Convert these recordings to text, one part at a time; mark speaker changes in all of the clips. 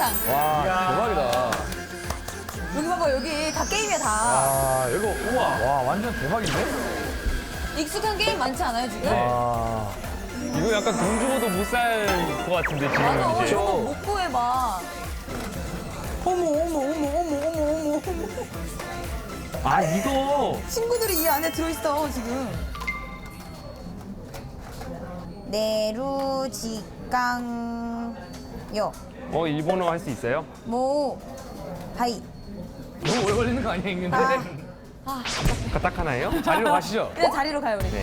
Speaker 1: 와, 대박이다.
Speaker 2: 여기 봐봐, 여기 다 게임이야, 다.
Speaker 1: 아, 이거, 우와. 와, 완전 대박인데?
Speaker 2: 익숙한 게임 많지 않아요, 지금?
Speaker 1: 와.
Speaker 3: 이거 약간 돈 주고도 못 살 것 같은데,
Speaker 2: 맞아,
Speaker 3: 지금 이제.
Speaker 2: 저거 못 구해봐. 어머, 어머, 어머, 어머, 어머, 어머.
Speaker 3: 아, 이거.
Speaker 2: 친구들이 이 안에 들어있어, 지금. 내루지깡요.
Speaker 3: 일본어 할 수 있어요?
Speaker 2: 하이.
Speaker 1: 너무 오래 걸리는 거 아니야, 읽는데?
Speaker 3: 딱 하나예요?
Speaker 1: 자리로 가시죠.
Speaker 2: 그래, 자리로 가요, 우리.
Speaker 3: 네.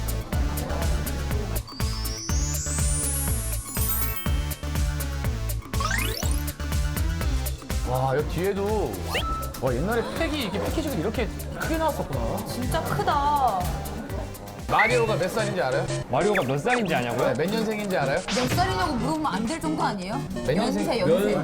Speaker 1: 와, 여기 뒤에도. 와, 옛날에 팩이, 이렇게 패키지가 이렇게 크게 나왔었구나.
Speaker 2: 진짜 크다.
Speaker 1: 마리오가 몇 살인지 알아요?
Speaker 3: 마리오가 몇 살인지 아냐고요?
Speaker 1: 네, 몇 년생인지 알아요?
Speaker 2: 몇 살이냐고 물어보면 안 될 정도 아니에요?
Speaker 1: 몇 년생?
Speaker 2: 연세.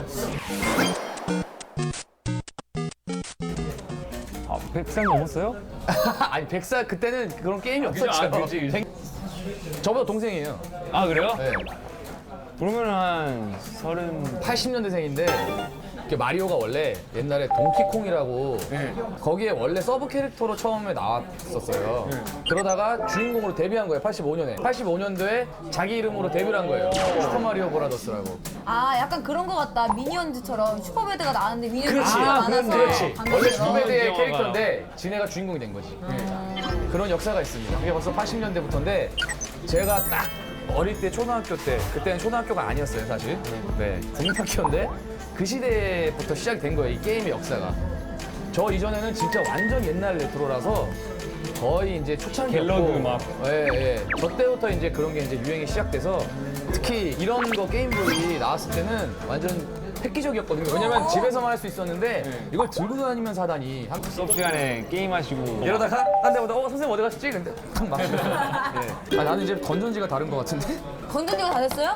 Speaker 3: 아, 100살 넘었어요?
Speaker 1: 아니, 100살, 그때는 그런 게임이 없었죠.
Speaker 3: 그지.
Speaker 1: 저보다 동생이에요.
Speaker 3: 아, 그래요?
Speaker 1: 네.
Speaker 3: 그러면 한 30.
Speaker 1: 80년대생인데 마리오가 원래 옛날에 동키콩이라고
Speaker 3: 네.
Speaker 1: 거기에 원래 서브 캐릭터로 처음에 나왔었어요. 그러다가 주인공으로 데뷔한 거예요. 85년에. 85년도에 자기 이름으로 데뷔를 한 거예요. 슈퍼마리오 브라더스라고.
Speaker 2: 아, 약간 그런 거 같다. 미니언즈처럼 슈퍼배드가 나왔는데 미니언즈
Speaker 1: 그렇지.
Speaker 2: 가 많아서.
Speaker 1: 그렇지.
Speaker 2: 방금
Speaker 1: 원래
Speaker 2: 전에.
Speaker 1: 슈퍼배드의
Speaker 3: 영화가.
Speaker 1: 캐릭터인데 지네가 주인공이 된 거지. 그런 역사가 있습니다. 그게 벌써 80년대부터인데 제가 딱 어릴 때 초등학교 때 그때는 초등학교가 아니었어요 사실. 네, 국민학교인데 그 시대부터 시작이 된 거예요 이 게임의 역사가. 저 이전에는 진짜 완전 옛날 레트로라서 거의 이제 초창기였고.
Speaker 3: 갤러그 막.
Speaker 1: 예, 예. 저 때부터 이제 그런 게 이제 유행이 시작돼서 특히 이런 거 게임들이 나왔을 때는 완전 획기적이었거든요. 왜냐면 집에서만 할 수 있었는데 이걸 들고 다니면서 하다니.
Speaker 3: 수업 시간에 게임하시고.
Speaker 1: 이러다가 한 대보다 선생님 어디 가셨지? 근데 탁 맞추고. 아, 나는 이제 건전지가 다른 것 같은데?
Speaker 2: 건전지가 다 됐어요?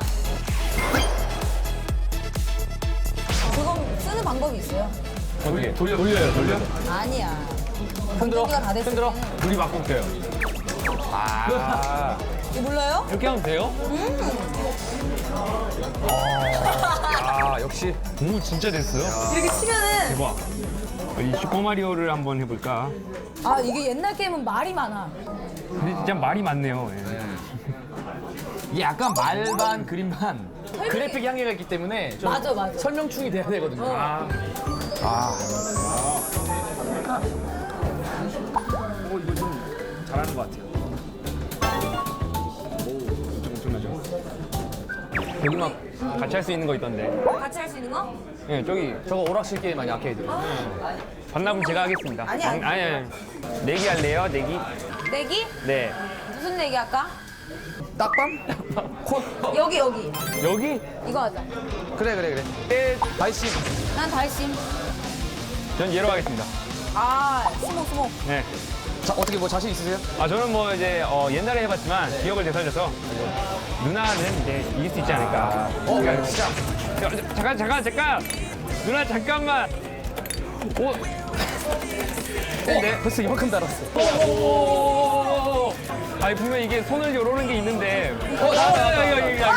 Speaker 2: 그거 쓰는 방법이 있어요.
Speaker 3: 어떻게?
Speaker 1: 돌려요.
Speaker 2: 아니야.
Speaker 1: 흔들어.
Speaker 2: 건전지가 다 됐을
Speaker 1: 흔들어.
Speaker 2: 때는.
Speaker 3: 불이 막 꽂혀요. 아.
Speaker 2: 이거 몰라요?
Speaker 3: 이렇게 하면 돼요?
Speaker 1: 아, 역시.
Speaker 3: 오, 진짜 됐어요?
Speaker 2: 이렇게 치면은.
Speaker 3: 대박. 이 슈퍼마리오를 한번 해볼까?
Speaker 2: 아, 이게 옛날 게임은 말이 많아.
Speaker 3: 근데 진짜 말이 많네요. 예.
Speaker 1: 이게 약간 말반 그림반 그래픽 향기가 있기 때문에 좀
Speaker 2: 맞아, 맞아.
Speaker 1: 설명충이 돼야 되거든요.
Speaker 3: 아. 이거 좀 잘하는 것 같아요. 오, 엄청나죠?
Speaker 1: 여기 막
Speaker 3: 같이 할 수 있는 거 있던데.
Speaker 2: 같이 할 수 있는 거?
Speaker 3: 예, 저기
Speaker 1: 저거 오락실 게임 아니야 아케이드.
Speaker 3: 반납은 제가 하겠습니다.
Speaker 2: 아니, 아니.
Speaker 3: 아니. 내기 할래요? 내기?
Speaker 2: 내기?
Speaker 3: 네.
Speaker 2: 무슨 내기 할까?
Speaker 1: 딱밤? 콘?
Speaker 2: 여기.
Speaker 3: 여기?
Speaker 2: 이거 하자.
Speaker 1: 그래. 발심.
Speaker 2: 난 달심.
Speaker 3: 전 얘로 하겠습니다.
Speaker 2: 아, 스모.
Speaker 3: 네.
Speaker 1: 자, 어떻게 뭐 자신 있으세요?
Speaker 3: 아, 저는 뭐 이제 옛날에 해봤지만 기억을 되살려서 누나는 이제 이길 수 있지 않을까.
Speaker 1: 진짜.
Speaker 3: 잠깐. 누나 잠깐만. 오.
Speaker 1: 근데 벌써 이만큼 달았어.
Speaker 3: 오. 아니 분명 이게 손을 요러는 게 있는데.
Speaker 1: 나왔다.
Speaker 3: 이거.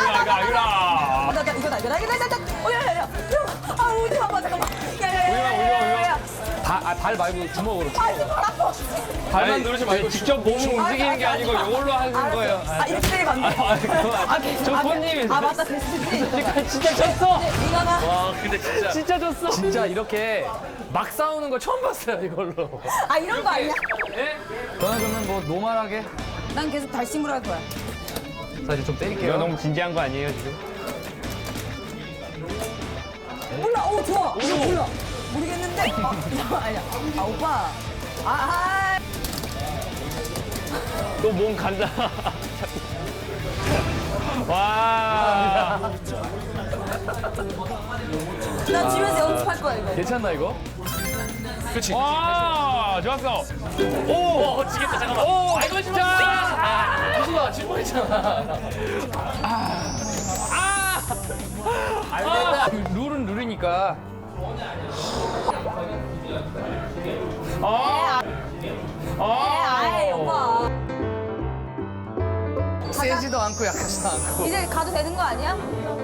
Speaker 2: 이거다. 야. 아, 오지 마봐, 잠깐만. 야.
Speaker 1: 발 말고 주먹으로.
Speaker 2: 아, 이거 발 아파.
Speaker 1: 발만 누르지 말고
Speaker 3: 직접 몸을 움직이는 게 아니고 이걸로 하는 거예요.
Speaker 2: 아, 이렇게 때리면 안 돼.
Speaker 3: 저 손님이
Speaker 2: 아, 맞다, 됐지.
Speaker 3: 진짜 졌어.
Speaker 2: 이거가.
Speaker 1: 와, 근데 진짜.
Speaker 3: 진짜 졌어.
Speaker 1: 진짜 이렇게 막 싸우는 거 처음 봤어요, 이걸로.
Speaker 2: 아, 이런 거 아니야?
Speaker 1: 저는 그러면 뭐 노멀하게
Speaker 2: 난 계속 달심으로 할 거야.
Speaker 1: 사실 좀 때릴게요.
Speaker 3: 이거 너무 진지한 거 아니에요 지금?
Speaker 2: 몰라, 좋아. 이거 몰라. 모르겠는데. 아니야. 아, 오빠.
Speaker 3: 또 몸 간다. 와.
Speaker 2: 나 집에서 연습할 거야, 이거.
Speaker 1: 괜찮나 이거? 그렇지.
Speaker 3: 와, 좋았어. 오,
Speaker 1: 지겠다 잠깐만.
Speaker 3: 오,
Speaker 1: 이거
Speaker 3: 진짜.
Speaker 1: 무수가 질 뻔했잖아. 알겠다. 룰은 룰이니까.
Speaker 2: 아이, 오빠.
Speaker 1: 세지도 않고 약하지도 않고.
Speaker 2: 이제 가도 되는 거 아니야?